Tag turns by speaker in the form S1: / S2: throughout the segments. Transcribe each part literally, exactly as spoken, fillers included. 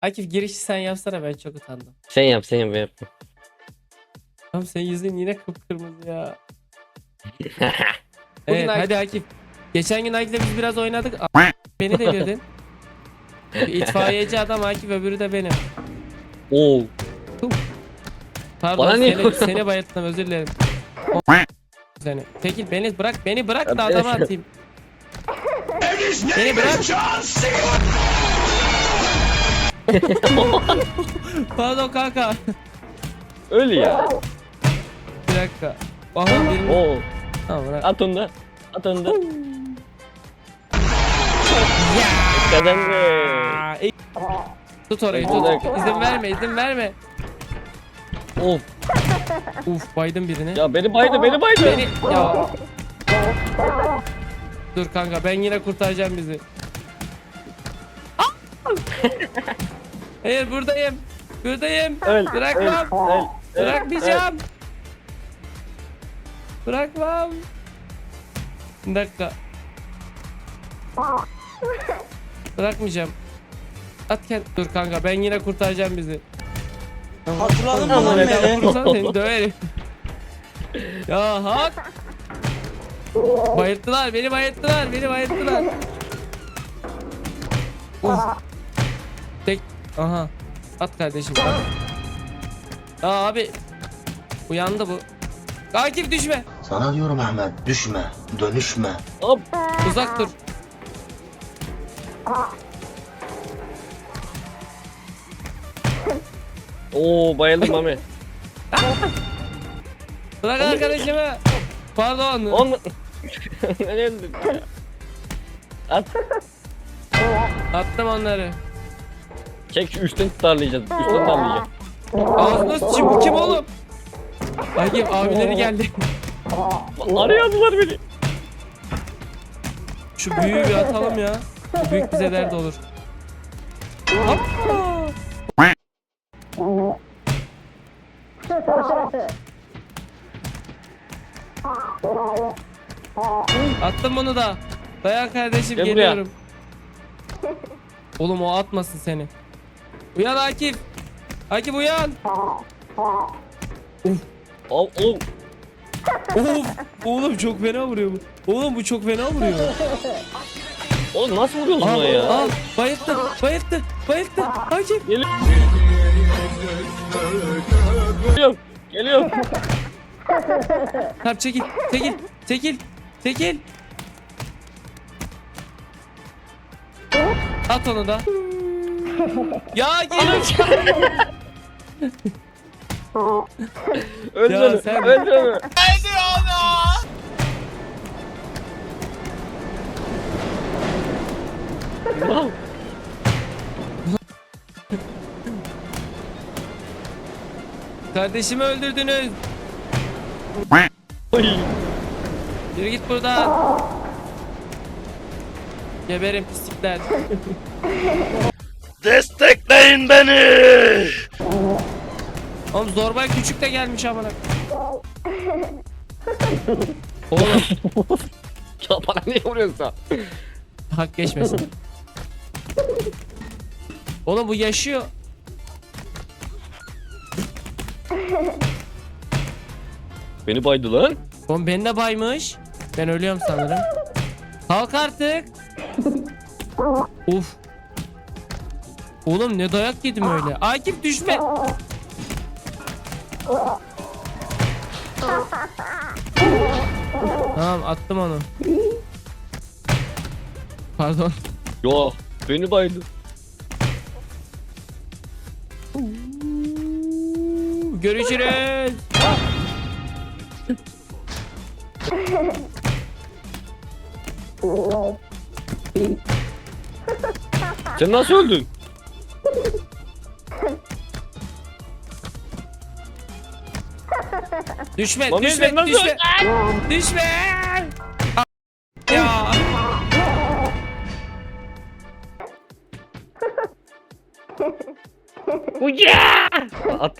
S1: Akif girişi sen yapsana, ben çok utandım.
S2: Sen yap sen yap ben yapma.
S1: Tamam, senin yüzün yine kıpkırmızı ya.
S2: Bugün
S1: Evet
S2: Akif-
S1: hadi Akif. Geçen gün Akif'le biz biraz oynadık. A- Beni devirdin. Bir itfaiyeci adam Akif, öbürü de benim.
S2: Oo.
S1: Pardon,
S2: Bana niye
S1: seni,
S2: vuruyorsun?
S1: seni bayılttım, özür dilerim. O- seni. Çekil, beni bırak, beni bırak da adama atayım. Beni bırak. Pardon kanka.
S2: Öyle ya.
S1: Bir dakika. Aha birini.
S2: Oo.
S1: Tamam bırak.
S2: At onu da. At onu da. Kazandı.
S1: Aa, iyi. Tut orayı, tut. İzin verme, izin verme.
S2: Of.
S1: Uf, baydım birini.
S2: Ya beni baydı beni baydı.
S1: Beni ya. Dur kanka, ben yine kurtaracağım bizi. Hayır, buradayım. Buradayım.
S2: Öl,
S1: Bırakmam.
S2: öl, öl, öl,
S1: Bırakmayacağım. Bırakmam. Bir dakika. Bırakmayacağım. At kend. Dur kanka, ben yine kurtaracağım bizi.
S3: Hatırladın mı
S2: Tamam,
S3: lan
S2: evet.
S3: beni?
S1: Vursana seni döverim. Ya hak. Bayılttılar beni, bayılttılar beni, bayılttılar. Uf. Tek. Aha. At kardeşim. At. Aa abi. Uyandı bu. Akif düşme.
S4: Sana diyorum Ahmet, düşme, dönüşme.
S2: Hop.
S1: Uzak dur.
S2: Oo bayıldım Mami.
S1: Bırak arkadaşımı. Pardon.
S2: On. Ben öldüm. At.
S1: Attım onları.
S2: Çek şu üstten tutarlayacağız. Üstten tutarlayacağız.
S1: Ağzına sıçayım, bu kim oğlum? Akif abileri geldi.
S2: Arıyordular beni.
S1: Şu büyüğü bir atalım ya. Bu büyük bize dert olur. Hoppa. Attım bunu da. Dayan kardeşim,
S2: Gel buraya.
S1: geliyorum. Oğlum o atmasın seni. Uyan Akif. Akif uyan.
S2: Al al.
S1: Of. Oğlum çok fena vuruyor bu. Oğlum bu çok fena vuruyor.
S2: Oğlum nasıl vuruyorsun
S1: Aa,
S2: ona ya?
S1: aa, bayılttı, bayılttı, bayılttı. Akif.
S2: Geliyorum. Geliyorum. Geliyorum.
S1: Tamam, çekil, çekil, çekil, çekil. At onu da. Ya gel.
S2: Öldür
S1: Ya
S2: onu.
S1: sen-
S2: Öldür onu. Wow.
S1: Kardeşimi öldürdünüz.
S2: Oy.
S1: Yürü git buradan. Geberin pislikler.
S4: Destekleyin beni!
S1: Oğlum Zorbay küçük de gelmiş amına. Oğlum
S2: Ya bana niye vuruyorsun sen?
S1: hak geçmesin. Oğlum bu yaşıyor.
S2: Beni baydı lan.
S1: Oğlum beni de baymış. Ben ölüyorum sanırım. Kalk artık. Uf. Oğlum ne dayak yedim öyle. Akif düşme. Tamam, attım onu. Pardon.
S2: Yo beni baydı.
S1: Görüşürüz.
S2: Sen nasıl öldün?
S1: Düşme,
S2: Mami,
S1: düşme,
S2: sen nasıl
S1: düşme. Düşme. Ya.
S2: Uya! At.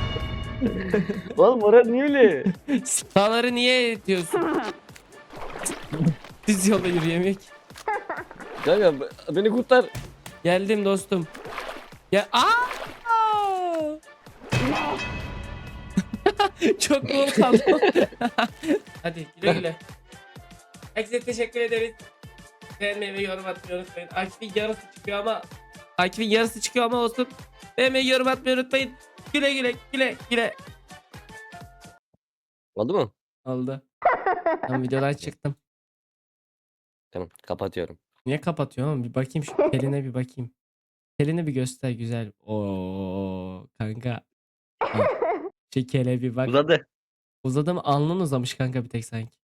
S2: Oğlum orası niye öyle?
S1: Sağları niye itiyorsun? Düz yolda yürüyemek.
S2: Kanka be- beni kurtar.
S1: Geldim dostum. Ya aa! Çok bol kaldım. Hadi güle güle. Herkese teşekkür ederiz. Beğenmeyi ve yorum atmayı unutmayın. Akif'in yarısı çıkıyor ama Akif'in yarısı çıkıyor ama olsun. Beğenmeyi yorum atmayı unutmayın. Güle güle güle güle.
S2: Oldu mu?
S1: Oldu. Ben videodan çıktım.
S2: Tamam kapatıyorum.
S1: Niye kapatıyorsun oğlum? Bir bakayım şu Pelin'e bir bakayım. Pelin'i bir göster güzel. Oo kanka. Ha, şu kele bir bak.
S2: Uzadı.
S1: Uzadı mı? Alnın uzamış kanka bir tek sanki.